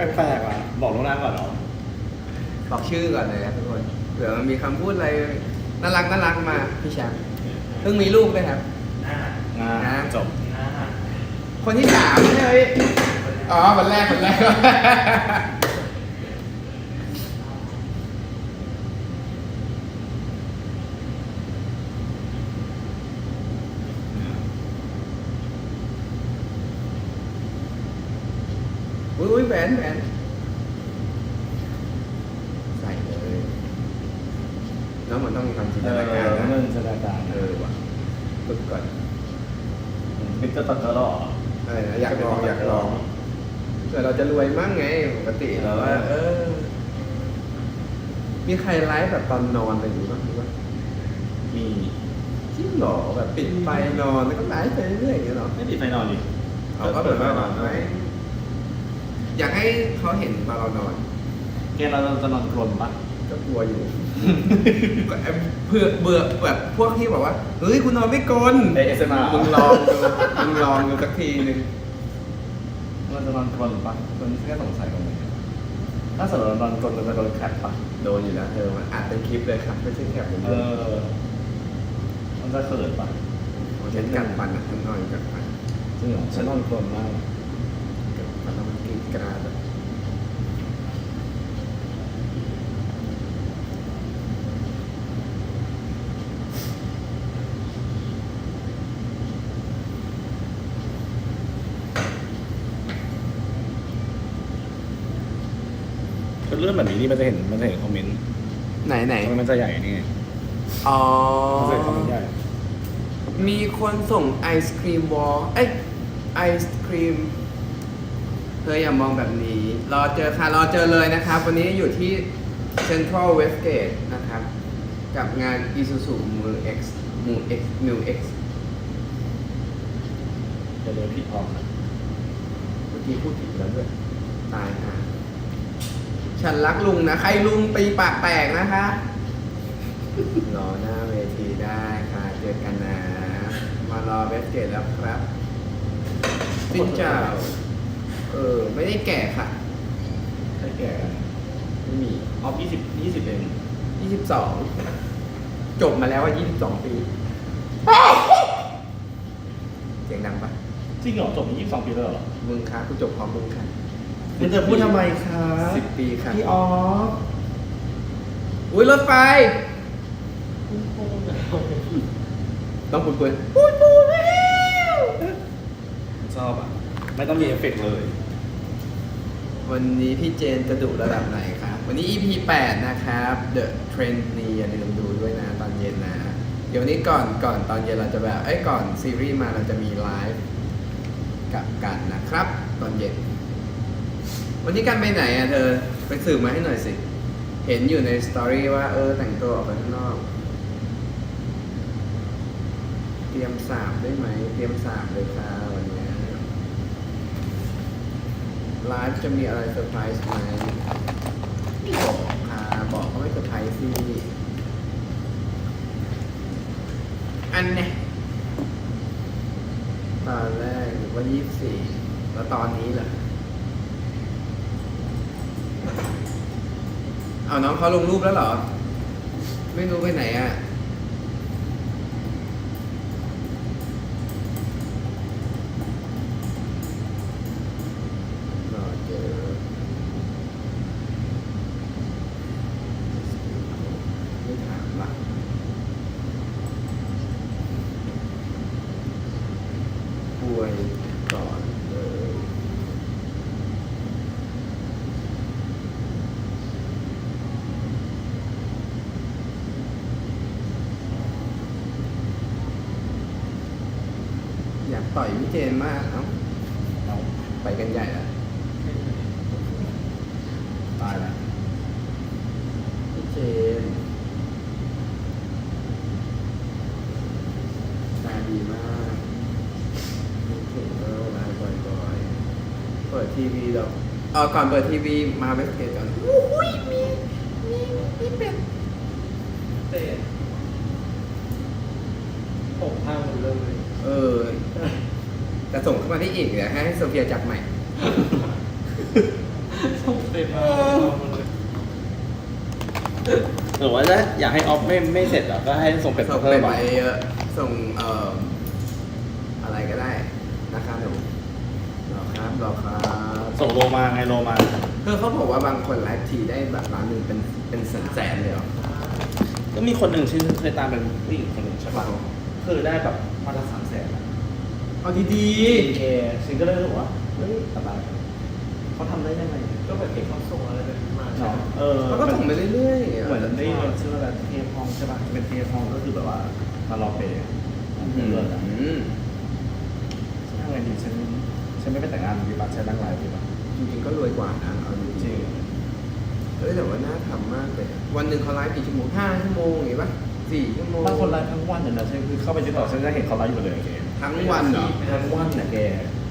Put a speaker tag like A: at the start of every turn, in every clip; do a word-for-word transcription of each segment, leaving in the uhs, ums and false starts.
A: แปลกๆอ่ะบอกล่วงหน้าก่อนเนาะ
B: บอกชื่อก่อนเลยครับทุกคนเผื่อมันมีคำพูดอะไรน่ารักน่ารักมาพี่แชมป์เพิ่งมีลูกด้วยครับ
A: งานจบ
B: คนที่สามใช่ไหมอ๋อวันแรกวันแรกอุ้ยแหวนแหวนใส่เลยแล้วมันต้องมีความจิน
A: เอ
B: ต
A: อ
B: นาการนะ
A: เงินสถานการณ์
B: เออว่ะฝึกก่อน
A: มิสเตอร์ตัดก็หรอ
B: อะไรนะอยากลองอยากลองเผื่อเราจะรวยมั่งไงปกติเราว่าเออ มีใครไลฟ์แบบตอนนอนอะไรอย่างงี้บ้างหรือว่า
A: มี
B: จริงเหรอแบบปิดไฟนอนแล้วก็ไลฟ์ไปเรื่อยๆอย่างเงี้ยเหรอ
A: ไม่ติดไฟนอนดิ
B: เขาก็เปิดไฟนอนไหมอยากให้เขาเห็นตอนเรานอน
A: แกเราจะนอนกลนปะ
B: ก็กลัวอยู่ ก็แอบเบื่อเบื่อแบบพวกที่บอกว่าเฮ้ยคุณนอนไม่กลน
A: เอเอสเอ็มอาร์
B: มึงลองดูมึงลองดูสักทีหนึ่ง
A: เราจะนอนกลนปะคนแค่สงสัยตรงนี้ถ้าสมมติเรานอนกลนเราจะโดนแคปปะ
B: โดนอยู่แล้วเธอมันอัดเป็นคลิปเลยครับไม่ใช่แค่ผม
A: เออมันจะเขินปะ
B: เช่นกันปันนะฉันนอนกันปัน
A: จริงเหรอฉันนอนกลนมาก
B: กันปันแล้วมันกรีดกราดแบบ
A: เป็นเรื่องแบบนี้นี่มันจะเห็นมันจะเห็นคอมเมนต์
B: ไหนไหน
A: ทำไมมันจะใหญ่นี่ไง
B: อ๋อ
A: มันจะเห็นคอมเมนต์ใหญ่
B: มีคนส่งไอศครีมวอลเอ้ยไอศครีมเธออย่ามองแบบนี้ รอเจอค่ะ รอเจอเลยนะครับ วันนี้อยู่ที่ Central Westgate นะครับ กับงาน Isuzu Mu X Mu X Mu X
A: จะเดินผิดออกนะ
B: เมื่อกี้พูดผิดแล้วด้วย ตายค่ะ ฉันรักลุงนะ ใครลุงปีปากแตกนะคะ รอหน้าเวทีได้ค่ะ เจอกันนะ มารอเวสเกตแล้วครับสิ้นเจ้า เออ ไม่ได้แก่ค่ะ
A: ใช่แก่
B: ไม่มี
A: ออฟยี่สิบยี่สิบเอง
B: ยี่สิบสองจบมาแล้วว่ายี่สิบสองปี เสียงดังปะ
A: จริงเหรอจบมายี่สิบสองปีแล้วเหรอ
B: มึงคะกูจบพร้อมมึงค่ะ
A: คุณจะพูดทำไมคะ
B: สิบปีค่ะ
A: พี่ออฟ
B: อุ้ยรถไฟ ต้องปุนปุนปุนปุนแล้ว
A: ชอบอ่ะ ไม่ต้องมีเอฟเฟกต์เลย
B: วันนี้พี่เจนจะดุระดับไหนครับ วันนี้ อี พี แปดนะครับ The Trend นี่อย่าลืมดูด้วยนะตอนเย็นนะ เดี๋ยวนี้ก่อนก่อนตอนเย็นเราจะแบบ เอ้ยก่อนซีรีส์มาเราจะมีไลฟ์กับกันนะครับ ตอนเย็น วันนี้กันไปไหนอ่ะเธอ ไปสืบมาให้หน่อยสิ เห็นอยู่ในสตอรี่ว่าเออแต่งตัวออกไปข้างนอก เตรียมสาบได้ไหม เตรียมสาบเลยค่ะวันนี้ไลฟ์จะมีอะไรเซอร์ไพรส์ไหมไม่บอกค่ะบอกก็ไม่เซอร์ไพรส์สิอันเนี่ยตอนแรกหรือว่ายี่สิบสี่แล้วตอนนี้เหรอเอาน้องเขาลงรูปแล้วเหรอ ไม่รู้ไปไหนอ่ะรอเจอไม่ถามละป่วยก่อนเลยอยากต่อยพี่เจนมาก เอ้า
A: เอา
B: ไปกันใหญ่แล้ว
A: ตายแล้ว
B: พี่เจนตาดีมากนึกถึงเออไลฟ์บ่อยๆเปิดทีวีแล้วเออก่อนเปิดทีวีมาเวสเกตก่อนอุ้ยมีมีมีเป็ด
C: เตะผมพังหมดเลย
B: เออแต่ส่งเข้ามาได้อีกเดี๋ยวให้โซเฟียจับใหม่
C: สมากเอาหมดเลย
A: หรือว่าจะอยากให้ออฟไม่ไม่เสร็จหรอก็ให้ส่งเป็ด
B: ส่ง
A: เพิ่
B: เป็
A: ม
B: ด
A: มา
B: ไปเยอะส่งเอ่ออะไรก็ได้นะครับหนูรอครับรอครับ
A: ส่งโลมาไงโลมา
B: คือเขาบอกว่าบางคนไลฟ์ทีได้แบบร้านหนึ่งเป็นเป็นแสนแสนเลยเหรอ
A: ก็มีคนหนึ่งชื่อเคยตามเป็นผู้หญิงคนหนึ่งใช่ปะคือได้แบบมาละสามแสน
B: เอาดี
A: ดีเอซิงก็เลยรู้สึกว่าเฮ้ยสบายเขาทำได้ยังไง
C: ก็แบบเก็บเขาส่งอะไรเป็นมา
A: เนาะเออ
B: ๆเขาก็ส่งไปเรื่อยๆ
A: เหมือนได้ยินชื่ออะไรเทพห้องใช่ปะเป็นเทพห้องก็คือแบบว่ามารอเปย์
B: อื
A: เลิศอ่ะ
B: ม
A: ฉันทำไงดีฉันฉันไม่ไปแต่งงานดีป่ะฉันนั่งไลฟ์ดีป่ะ
B: จริงๆก็รวยกว่านะเอาจ
A: จ
B: ริ
A: ริ
B: ง
A: ง
B: ๆเฮ้ยแต่ว่าน่าทำมากเลยวันหนึ่งเขาไลฟ์กี่ชั่วโมงห้าชั่วโมงอย่างงี้ปะสี่ชั่วโมง
A: บางคนไลฟ์ทั้งวันเนี่ยนะฉันคือเข้าไปติดต่อฉันจะเห็นเขาไลฟ์อยู่เลยแก
B: ทั้งวันเหรอ
A: ทั้งวันเนี่ยแก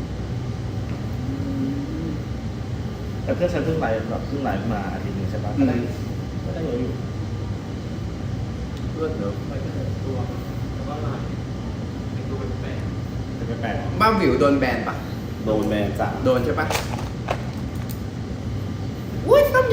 A: แต่เพื่อนฉันเพิ่งไลฟ์แบบเพิ่งไลฟ์มาอาทิตย์นึงใช่ปะก็ได้ก็ได้เยอะอยู่
B: เลือดเนอะ
C: ไปกันตัวแล้วก็ลายเป็นตัวเป็นแปลก
A: จะไปแปลก
B: บ้าวิวโดนแบนปะ
A: โดนแบนจ้ะ
B: โดนใช่ปะอุ้ยต้มย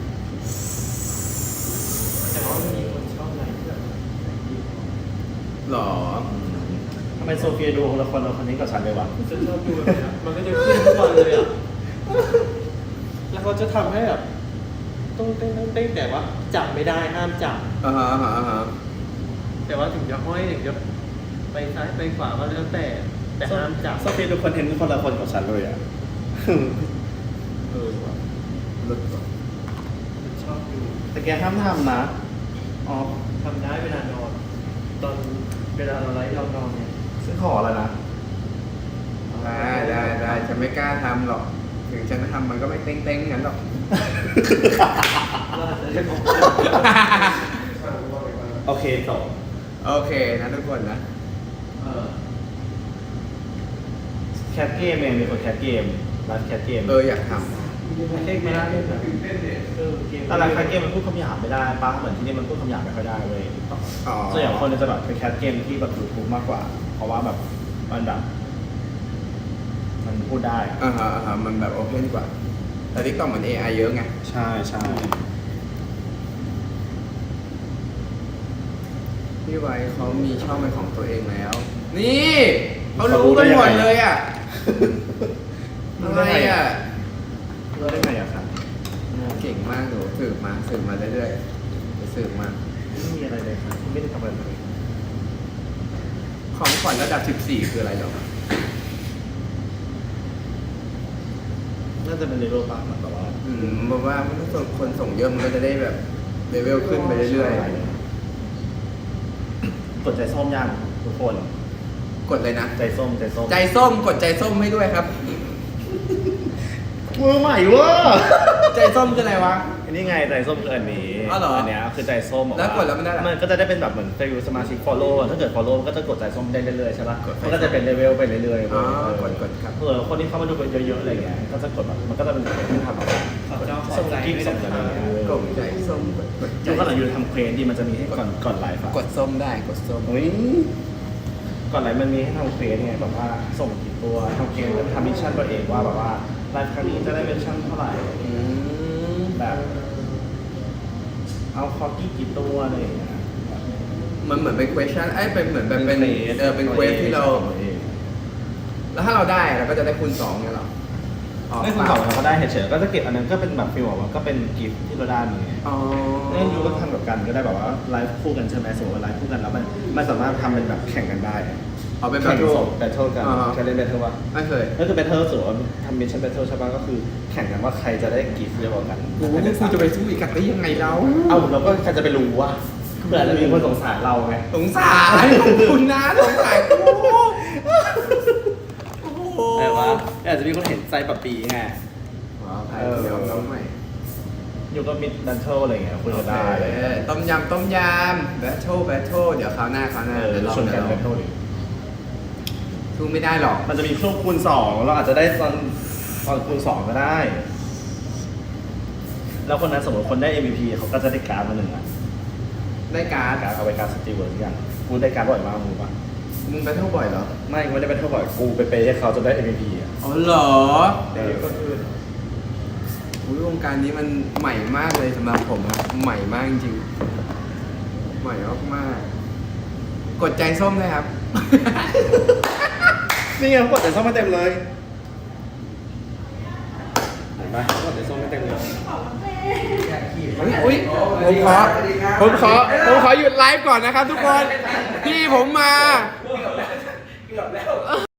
C: แต่ว่ามีคนชอบอะไรที่แบบ
B: ำหรอ
A: ทำไมโซเฟียดูละครเราคนนี้กับฉันเลยวะ
C: ฉันชอบดูแบบนี้มันก็จะขึ้นทุกวันเลยอ่ะแล้วเขาจะทำให้แบบต้องเต้นต้องเต้นแต่ว่าจับไม่ได้ห้ามจับ
B: อ่าฮะอ่าฮะอ่าฮะ
C: แต่ว่าถึงจะห้อยถึงจะไปซ้ายไปขวาก็แล้วแต่แต่ห้ามจับ
A: โซเฟียดูคอนเทนต์คนละคนกับฉันเลยอ่ะ
B: เออว่ะเลิศว่ะ
C: ฉันชอบดู
A: แต่แกห้ามทำนะอ๋อ
C: ทำได้เวลานอน ตอนเวลาเราไลฟ์เรานอนเนี่ย
A: ฉันขอแล้วนะ
B: ได้ได้ได้ฉันไม่กล้าทำหรอก ถึงฉันจะทำมันก็ไม่เต้งเต้งๆงั้นหรอก
C: เราอาจจะได้ของ
A: โอเคจบ
B: โอเคนะทุกคนนะ
C: เออ
A: แคปเกมเองมีคนแคปเกมร้านแคปเกม
B: เอออยากท
C: ไม่ใช่ไม่ได้เล่นแบบเออเกม
A: แต่ร้านแคปเกมมันพูดคำหยาบไม่ได้ป้าเหมือนที่นี่มันพูดคำหยาบไม่ค่อยได้เว้ย
B: ำอ๋อ
A: ส่วนใหญ่คนจะแบบไปแคปเกมที่แบบยูทูบมากกว่า เพราะว่าแบบมันแบบมันพูดได้
B: อ่าฮะอ่าฮะมันแบบโอเพนกว่า แต่ทิกตอกเหมือน เอ ไอ เยอะไง
A: ใช่ใช่
B: พี่ไว้เขามีช่องเป็นของตัวเองแล้ว นี่เขารู้กันหมดเลยอ่ะ อะไรอ่ะ
A: รู้ได้ไงอะครับ
B: เก่งมากหนูสืบมาสืบมาเรื่อยๆไปสืบมา
A: ไม่มีอะไรเลยครับไม่ได้ทำอะไรเลย
B: ของขวัญระดับสิบสี่คืออะไรหรอ
A: น่าจะเป็นเลเวลป้าเหมือนแบบว่า
B: อืมบอกว่าถ้าส่งคนส่งเยอะมันก็จะได้แบบเลเวลขึ้นไปเรื่อย
A: กดใจส้มยังทุกคน
B: ๆ กดเลยนะ
A: ใจส้มใจส้ม
B: ใจส้มกดใจส้มให้ด้วยครับ
A: มือใหม่เว้ย
B: ใจส้มคืออะไรวะ
A: อันนี้ไงใจส้มคืออันนี้
B: อ๋อเหรอ
A: นเนี้ยคือใจส้มบอกา
B: แล้วกดแล้วมันได้อะไร
A: มันก็จะได้เป็นแบบเหมือนฟิลสมาชิก follow ถ้าเกิด follow ก็จะกดใจส้มได้เรื่อยๆใช่ปะ
B: กดไป
A: มันก็จะเป็นเลเวลไปเรื่อยๆ
B: อ๋อ
A: เว้ย
B: กดกดครับ
A: เออคนที่เข้ามาดูกันเยอะๆอะไรเงี้ยก็จะกดแบบมันก็จะเป็นคนที่ทำแบบ
C: ขอเจ้าขอ
A: ส่ง
C: ใจ
A: กิ๊ก
C: ด้วย
A: ส่ง
C: นะ
A: อะไร
C: ค
A: เงี้ย
B: กดใจส้มกดกดใจ
A: ยูก็หลังยูทำเควสดีมันจะมีให้ก่อนก่อนไลฟ์อะ
B: กดส้มได้กดส้ม
A: เฮ้ยก่อนไลฟ์มันมีให้ทำเควสไงแบบว่าส่งกี่ตัวทำเควสแล้วทำมิชชั่นตัวเองว่าแบบว่าไลฟ์ครั้งนี้จะได้มิชชั่นเท่าไหร่
B: อืม
A: แบบเอาคอกี้กี่ตัวอะไรอย่างเงี้ย
B: มันเหมือนเป็น question ไอ้ยเป็นเหมือนแบบเป็นเออเป็นเควสที่เรา แล้วถ้าเราได้เราก็จะได้คูณสองเนี่ยหรออ๋อ
A: ไม่คุณสองเราก็ได้เฉยๆก็จะเก็บอันนั้นก็เป็นแบบฟิลแบบว่าก็เป็นกิฟต์ที่เราได้มาไง
B: อ๋อ
A: เล่นยูก็ทำกับกันก็ได้แบบว่าไลฟ์คู่กันใช่ไหมสมมติว่าไลฟ์คู่กันแล้วมันมันสามารถทำเป็นแบบแข่งกันได้
B: เอาเป็นแบ
A: แข่
B: บ
A: งส่งแบทเทิลกัน
B: อ่า
A: เคยเล่นแบทเทิลปะ
B: ไม่เคย
A: ก็คือแบทเทิลสมมติว่าทำมิชชั่นแบทเทิลใช่ปะก็คือแข่งกันว่าใครจะได้กิฟต์เยอะกว่ากัน
B: กูว่ากูจะไปสู้อีกกันได้ยังไงเรา
A: เอ้าเราก็ใครจะไปรู้ว่าเผื่อจะมีคนสงสารเราไง
B: สงสารขอบคุณนะสงสารกูโอ้โห
A: แต่ว่าอาจจะมีคนเห็นใจปะปีไง
B: ว้าวใครเดี๋ยวน้องใหม่
A: อยู่ก็มิดแบทเทิลอะไรเงี้ยคุยกันได้เลย
B: เออต้มยำต้มยำแบทเทิลแบทเทิลเดี๋ยวคราวหน้าคราวหน้า
A: เออ
B: เดี๋ยวลอง
A: ชวนกั
B: เดี๋
A: น
B: ยวล
A: แบ
B: อง
A: ทเทิลดิ
B: สู้ไม่ได้หรอก
A: มันจะมีช่วงคูณสองเราอาจจะได้ตอนตอนคูณสองก็ได้ แล้วคนนั้นสมมติคนได้ เอ็ม วี พี เขาก็จะได้การ์ดมาหนึ่งอ่ะ
B: ได้การ์ด
A: การ์ดเอาไปการ์ดสตีเวิร์ดที่กันกูได้การ์ดบ่อยมากมึงปะ
B: มึงแบทเทิลบ่อยเหรอ
A: ไม่กูไม่ได้เป็นเท่าบ่อยกูไปเปย์ให้เขาจนได้ เอ็ม วี พี อ่ะ
B: อ๋อเหรอ
C: แต่คนอื่น
A: ก
B: อุ๊ยวงการนี้มันใหม่มากเลยสำหรับผมครับใหม่มากจริงๆใหม่มากๆกดใจส้มเลยครับ
A: นี่ไงเขากดแต่ส้มมาเต็มเลยเห็นปะเขากดแต่ส้มมาเต็มเลย
B: อุ๊ยอุ๊ยผมขอผมขอผมขอหยุดไลฟ์ก่อนนะครับทุกคน พี่ผมมา